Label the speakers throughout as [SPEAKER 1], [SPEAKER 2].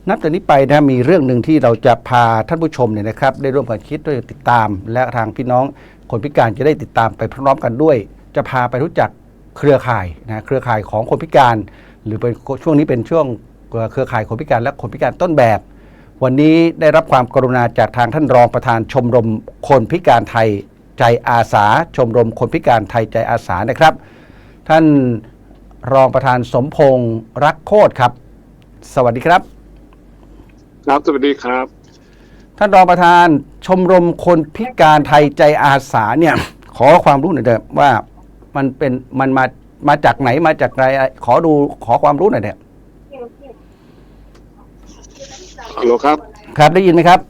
[SPEAKER 1] นับจากนี้ไปนะมีเรื่องหนึ่งที่เราจะพาท่านผู้ชมเนี่ยนะครับได้ร่วมกันคิดด้วยติดตาม และทางพี่น้องคนพิการจะได้ติดตามไปพร้อมๆกันด้วย จะพาไปรู้จักเครือข่ายนะเครือข่ายของคนพิการ หรือเป็นช่วงนี้เป็นช่วงเครือข่ายคนพิการและคนพิการต้นแบบ วันนี้ได้รับความกรุณาจากทางท่านรองประธานชมรมคนพิการไทยใจอาสาชมรมคนพิการไทยใจอาสานะครับ ท่านรองประธานสมพงษ์รักโคตรครับสวัสดีครับ
[SPEAKER 2] ครับสวัสดีครับ
[SPEAKER 1] ท่านรองประธานชมรมคนพิการไทยใจอาสาเนี่ยขอความรู้หน่อยเถอะว่ามันมาจากไหนมาจากอะไรขอความรู้หน่อยเถอะ
[SPEAKER 2] ฮัลโหลครับ
[SPEAKER 1] ครับได้ยินไหมครับ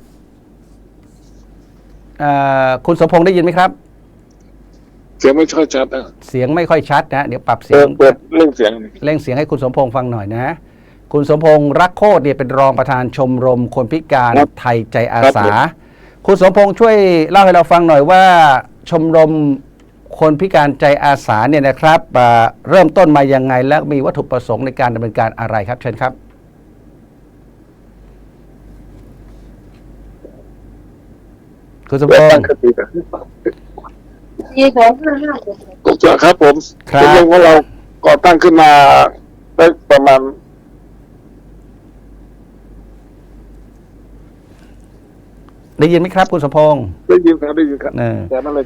[SPEAKER 1] คุณสมพงษ์ได้ยินไหมครับ
[SPEAKER 2] เสียงไม่ค่อยชัดนะ
[SPEAKER 1] เสียงไม่ค่อยชัดนะเดี๋ยวปรับเสียง
[SPEAKER 2] เปิดเร่งเสียง
[SPEAKER 1] ให้คุณสมพงษ์ฟังหน่อยนะคุณสมพงษ์รักโคตรเนี่ยเป็นรองประธานชมรมคนพิการไทยใจอาสาคุณสมพงษ์ช่วยเล่าให้เราฟังหน่อยว่าชมรมคนพิการใจอาสาเนี่ยนะครับเริ่มต้นมายังไงและมีวัตถุประสงค์ในการดำเนินการอะไรครับเชิญครับคุณสมพงษ์
[SPEAKER 2] ครับผมชมรมของเราก่อตั้งขึ้นมาได้ประมาณ
[SPEAKER 1] ได้ยินไหมครับคุณสมพงษ์
[SPEAKER 2] ได้ยินครับแจ้มาเลย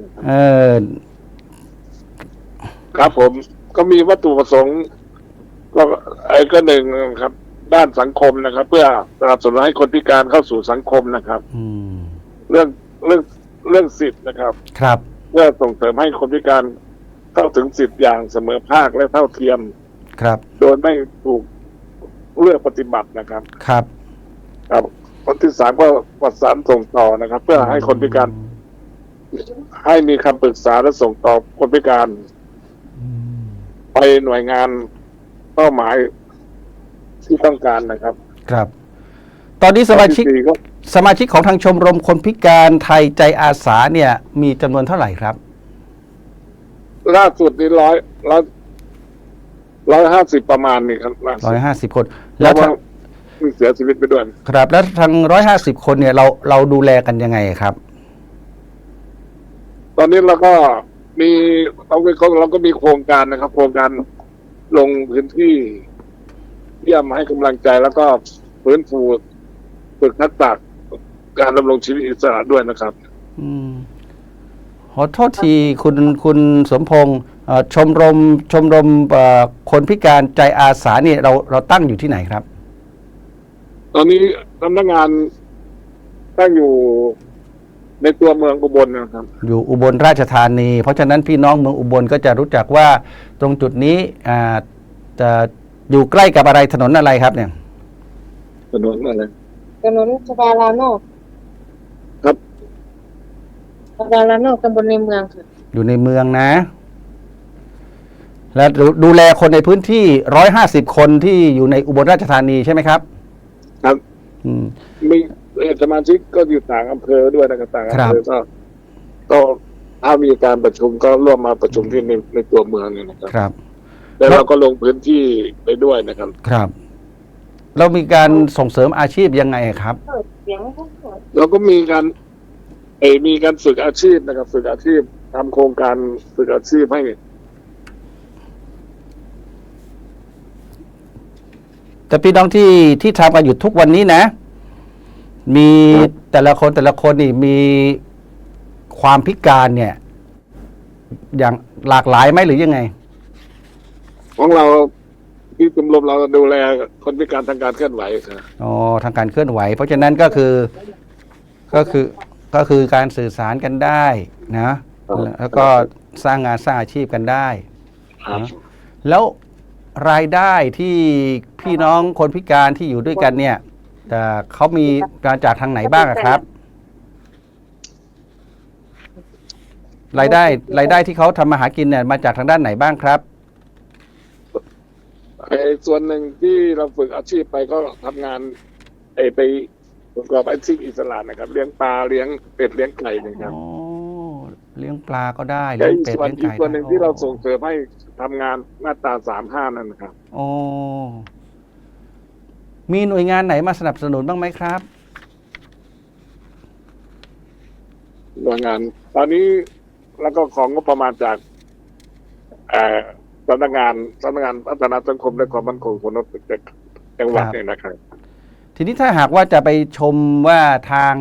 [SPEAKER 2] ครับผมก็มีวัตถุประสงค์ก็หนึ่งครับด้านสังคมนะครับ เพื่อสนับสนุนให้คนพิการเข้าสู่สังคมนะครับเรื่องสิทธิ์นะครับ
[SPEAKER 1] ครับ
[SPEAKER 2] เพื่อส่งเสริมให้คนพิการเข้าถึงสิทธิ์อย่างเสมอภาคและเท่าเทียม
[SPEAKER 1] ครับ
[SPEAKER 2] โดยไม่ถูกเลือกปฏิบัตินะครับ
[SPEAKER 1] ครับ
[SPEAKER 2] คนที่สามก็ประสานส่งต่อนะครับ เพื่อให้คนพิการให้มีคำปรึกษาและส่งต่อคนพิการไปหน่วยงานเป้าหมายที่ต้องการนะครับ
[SPEAKER 1] ครับตอนนี้สมาชิกของทางชมรมคนพิการไทยใจอาสาเนี่ยมีจำนวนเท่าไหร่ครับ
[SPEAKER 2] ล่าสุดนี้150ประมาณนี่ครับ
[SPEAKER 1] 150 คน
[SPEAKER 2] แล้วมีเสียชีวิตไปด้วย
[SPEAKER 1] ครับแล้วทาง150 คนเนี่ยเราดูแลกันยังไงครับ
[SPEAKER 2] ตอนนี้เราก็มีโครงการนะครับโครงการลงพื้นที่เยี่ยมให้กำลังใจแล้วก็ฟื้นฟูฝึกทักษะการดำรงชีวิตอิสระด้วยนะครับ
[SPEAKER 1] ขอโทษทีคุณสมพงษ์ชมรมคนพิการใจอาสาเนี่ยเราตั้งอยู่ที่ไหนครับ
[SPEAKER 2] ตอนนี้สำนักงานตั้งอยู่ในตัวเมืองอุบลนะครับ
[SPEAKER 1] อยู่อุบลราชธานีเพราะฉะนั้นพี่น้องเมืองอุบลก็จะรู้จักว่าตรงจุดนี้จะอยู่ใกล้กับอะไรถนนอะไรครับเนี่ย
[SPEAKER 2] ถนนอะไร
[SPEAKER 3] ถนนชบาลานอก
[SPEAKER 2] ครับ
[SPEAKER 3] ชบาลานอกตำบลในเมืองค่ะ
[SPEAKER 1] อยู่ในเมืองนะและดูแลคนในพื้นที่150 คนที่อยู่ในอุบลราชธานีใช่ไหมครับ
[SPEAKER 2] ครับมีสมาชิกก็อยู่ต่างอำเภอด้วยนะครับต่างอำเภอก็ถ้ามีการประชุมก็ร่วมมาประชุมที่ในตัวเมืองนี่นะครับแล้วเราก็ลงพื้นที่ไปด้วยนะครับ
[SPEAKER 1] ครับเรามีการส่งเสริมอาชีพยังไงครับ
[SPEAKER 2] เราก็มีการฝึกอาชีพนะครับฝึกอาชีพทำโครงการฝึกอาชีพให้
[SPEAKER 1] แต่พี่น้องที่ทำกันอยู่ทุกวันนี้นะมีแต่ละคนนี่มีความพิการเนี่ยอย่างหลากหลายไหมหรือยังไง
[SPEAKER 2] ของเราที่ชมรมเราดูแลคนพิการทางการเคลื่อนไหวครับ
[SPEAKER 1] ทางการเคลื่อนไหวเพราะฉะนั้นก็คือการสื่อสารกันได้นะแล้วก็สร้างงานสร้างอาชีพกันได้นะแล้วรายได้ที่พี่น้องคนพิการที่อยู่ด้วยกันเนี่ยเขามีการจากทางไหนบ้างครับรายได้ที่เขาทำมาหากินเนี่ยมาจากทางด้านไหนบ้างครับ
[SPEAKER 2] ส่วนหนึ่งที่เราฝึกอาชีพไปก็ทำงานไปประกอบอาชีพอิสระนะครับเลี้ยงปลาเลี้ยงเป็ดเลี้ยงไก่นะครับ
[SPEAKER 1] เลี้ยงปลาก็ได้เลี้ยงเป็ดเลี้ยงไก่
[SPEAKER 2] ส่วนหนึ่งที่เราส่งเสริมให้ทำงานมาตรา35นั่นนะครับ
[SPEAKER 1] มีหน่วยงานไหนมาสนับสนุนบ้างไหมครับ
[SPEAKER 2] หน่วยงานตอนนี้แล้วก็ของงบประมาณจากสำนักงานพัฒนาสังคมและความมั่นคงของมนุษย์จังหวัดเนี่ยนะครับ
[SPEAKER 1] ทีนี้ถ้าหากว่าจะไปชมว่าทาง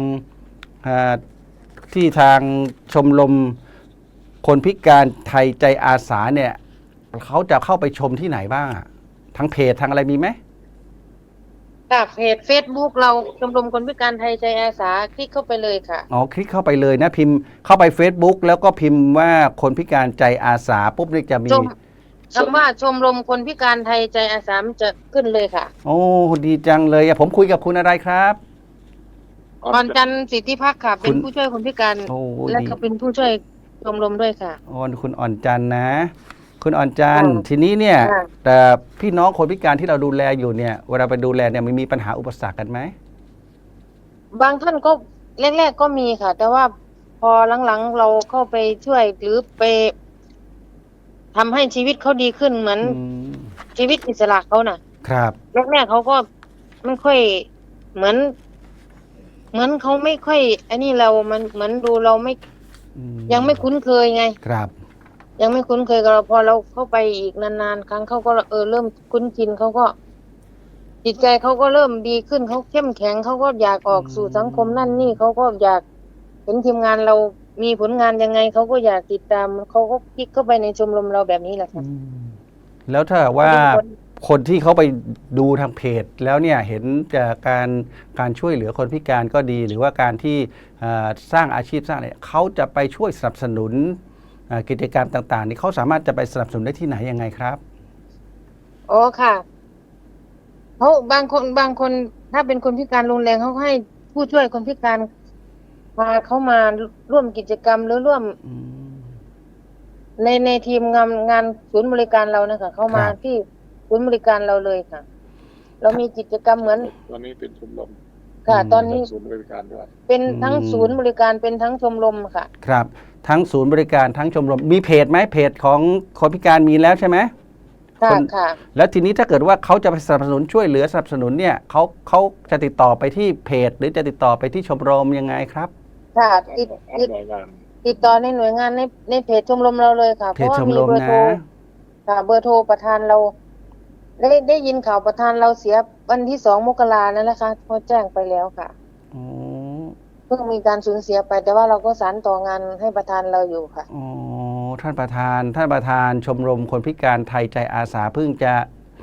[SPEAKER 1] ที่ทางชมรมคนพิการไทยใจอาสาเนี่ยเขาจะเข้าไปชมที่ไหนบ้างอะทางเพจทางอะไรมีไหม
[SPEAKER 3] ค่ะเพจ Facebook เราชมรมคนพิการไทยใจอาสาคลิกเข้าไปเลยค่ะ
[SPEAKER 1] อ๋อคลิกเข้าไปเลยนะพิมพ์เข้าไป Facebook แล้วก็พิมพ์ว่าคนพิการใจอาสาปุ๊บนี่จะมี
[SPEAKER 3] คำว่าชมรมคนพิการไทยใจอาสามันจะขึ้นเลยค่ะ
[SPEAKER 1] โอ้ดีจังเลยอะผมคุยกับคุณอะไรครับ
[SPEAKER 3] อ่อนจันทร์สิทธิพักดิ์ค่ะ เป็นผู้ช่วยคนพิการ
[SPEAKER 1] โอ้
[SPEAKER 3] และ
[SPEAKER 1] ดี
[SPEAKER 3] ก็เป็นผู้ช่วยชมรมด้วยค่ะ
[SPEAKER 1] อ๋อคุณอ่อนจันทร์นะ คุณอ่อนจันทร์
[SPEAKER 3] ค่ะ
[SPEAKER 1] ทีนี้เนี่ย
[SPEAKER 3] ค่ะ
[SPEAKER 1] แต่พี่น้องคนพิการที่เราดูแลอยู่เนี่ยเวลาไปดูแลเนี่ยมันมีปัญหาอุปสรรคกันไหม
[SPEAKER 3] บางท่านก็แรกๆก็มีค่ะ แต่ว่าพอหลังๆเราเข้าไปช่วยหรือไปทำให้ชีวิตเขาดีขึ้นเหมือน
[SPEAKER 1] อืม
[SPEAKER 3] ชีวิตอิสระเขาน่ะ
[SPEAKER 1] ครับ
[SPEAKER 3] แรกๆเขาก็ไม่ค่อยเหมือนเขาไม่ค่อยอันนี้เรามันเหมือนดูเราไม่
[SPEAKER 1] อื
[SPEAKER 3] ยังไม่คุ้นเคยไง
[SPEAKER 1] ครับ
[SPEAKER 3] ยังไม่คุ้นเคยกับเราพอเราเข้าไปอีกนานๆครั้งเขาก็เริ่มคุ้นชินเขาก็จิตใจเขาก็เริ่มดีขึ้นเขาเข้มแข็งเขาก็อยากออกสู่สังคมนั่นนี่เขาก็อยากเห็นทีมงานเรามีผลงานยังไงเขาก็อยากติดตามเขาก็คลิกเข้าไปในชมรมเราแบบนี้แหละ
[SPEAKER 1] อื
[SPEAKER 3] ค่ะ
[SPEAKER 1] มแล้วถ้าว่าคนที่เขาไปดูทางเพจแล้วเนี่ยเห็นจากการช่วยเหลือคนพิการก็ดี หรือว่าการที่สร้างอาชีพสร้างอะไรเขาจะไปช่วยสนับสนุนกิจกรรมต่างๆนี่เขาสามารถจะไปสนับสนุนได้ที่ไหนยังไงครับ
[SPEAKER 3] อ๋อค่ะเขาบางคนถ้าเป็นคนพิการรุนแรงเขาก็ให้ผู้ช่วยคนพิการพาเขามาร่วมกิจกรรมหรือร่วม
[SPEAKER 1] อืม
[SPEAKER 3] ในทีมงานศูนย์บริการเรานะคะเข้ามา
[SPEAKER 1] ครับ
[SPEAKER 3] ที่ศูนย์บริการเราเลยค่ะ เรามีกิจกรรมเหมือน
[SPEAKER 2] ตอนนี้เป็นชมรม
[SPEAKER 3] ค่ะ ตอนนี้
[SPEAKER 2] ศูนย์บริการด้วย
[SPEAKER 3] เป็นทั้งศูนย์บริการเป็นทั้งชมรมค่ะ
[SPEAKER 1] ครับทั้งศูนย์บริการทั้งชมรมมีเพจไหมเพจของคนพิการมีแล้วใช่ไหม
[SPEAKER 3] ค่ะ
[SPEAKER 1] คน
[SPEAKER 3] ค่ะ
[SPEAKER 1] แล้วทีนี้ถ้าเกิดว่าเขาจะไปสนับสนุนช่วยเหลือสนับสนุนเนี่ยเขาจะติดต่อไปที่เพจ หรือจะติดต่อไปที่ชมรมยังไงครับ
[SPEAKER 3] ค่ะติด
[SPEAKER 2] หน่วยงาน
[SPEAKER 3] ติดต่อในหน่วยงานในเพจชมรมเราเลยค่ะ เพ
[SPEAKER 1] เพจ
[SPEAKER 3] ราะว่า
[SPEAKER 1] ชม
[SPEAKER 3] มี
[SPEAKER 1] รม
[SPEAKER 3] เบอร์
[SPEAKER 1] นะ
[SPEAKER 3] โทรค่ะเบอร์โทรประธานเรา ได้ยินข่าวประธานเราเสียวันที่2 มกรานั่นแหละค่ะเขาแจ้งไปแล้วค่ะ
[SPEAKER 1] อ๋อ
[SPEAKER 3] เพิ่งมีการสูญเสียไป แต่ว่าเราก็สานต่องานให้ประธานเราอยู่ค่ะ
[SPEAKER 1] อ๋อท่านประธานชมรมคนพิการไทยใจอาสาเพิ่งจะ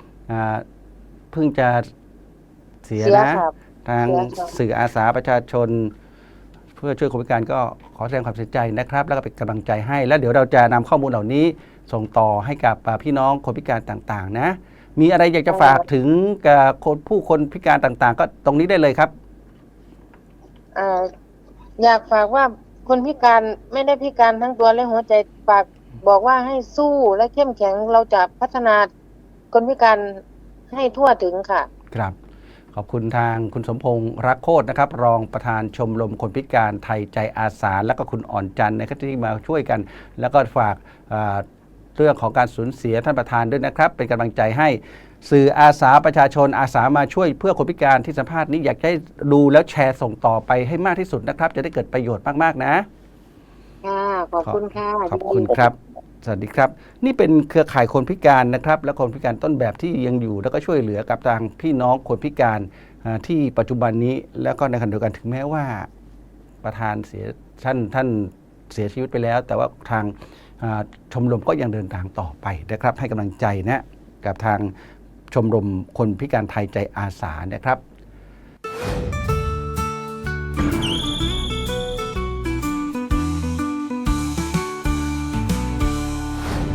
[SPEAKER 1] เสีย
[SPEAKER 3] เสีย
[SPEAKER 1] นะ
[SPEAKER 3] ครับ
[SPEAKER 1] ทาง
[SPEAKER 3] เสียครับ
[SPEAKER 1] สื่ออาสาประชาชน เพื่อช่วยคนพิการก็ขอแสดงความเสียใจนะครับ แล้วก็เป็นกำลังใจให้ แล้วเดี๋ยวเราจะนำข้อมูลเหล่านี้ส่งต่อให้กับพี่น้องคนพิการต่างๆ นะ มีอะไรอยากจะฝากถึงกับผู้คนพิการต่างๆ ก็ตรงนี้ได้เลยครับ
[SPEAKER 3] อยากฝากว่าคนพิการไม่ได้พิการทั้งตัวและหัวใจฝากบอกว่าให้สู้และเข้มแข็งเราจะพัฒนาคนพิการให้ทั่วถึงค่ะ
[SPEAKER 1] ครับขอบคุณทางคุณสมพงษ์รักโคตรนะครับ รองประธานชมรมคนพิการไทยใจอาสา และก็คุณอ่อนจันทร์นะครับที่มาช่วยกัน แล้วก็ฝากเรื่องของการสูญเสียท่านประธานด้วยนะครับ เป็นกำลังใจให้สื่ออาสาประชาชนอาสามาช่วยเพื่อคนพิการที่สัมภาษณ์นี้อยากให้ดูแล้วแชร์ส่งต่อไปให้มากที่สุดนะครับ จะได้เกิดประโยชน์มากๆนะ
[SPEAKER 3] ค่ะขอบคุณค่ะ
[SPEAKER 1] ขอบคุณครับ สวัสดีครับ นี่เป็นเครือข่ายคนพิการนะครับ และคนพิการต้นแบบที่ยังอยู่ แล้วก็ช่วยเหลือกับทางพี่น้องคนพิการที่ปัจจุบันนี้ แล้วก็ในขณะเดียวกันถึงแม้ว่าประธานท่านเสียชีวิตไปแล้ว แต่ว่าทางชมรมก็ยังเดินทางต่อไปนะครับ ให้กำลังใจนะกับทางชมรมคนพิการไทยใจอาสานะครับ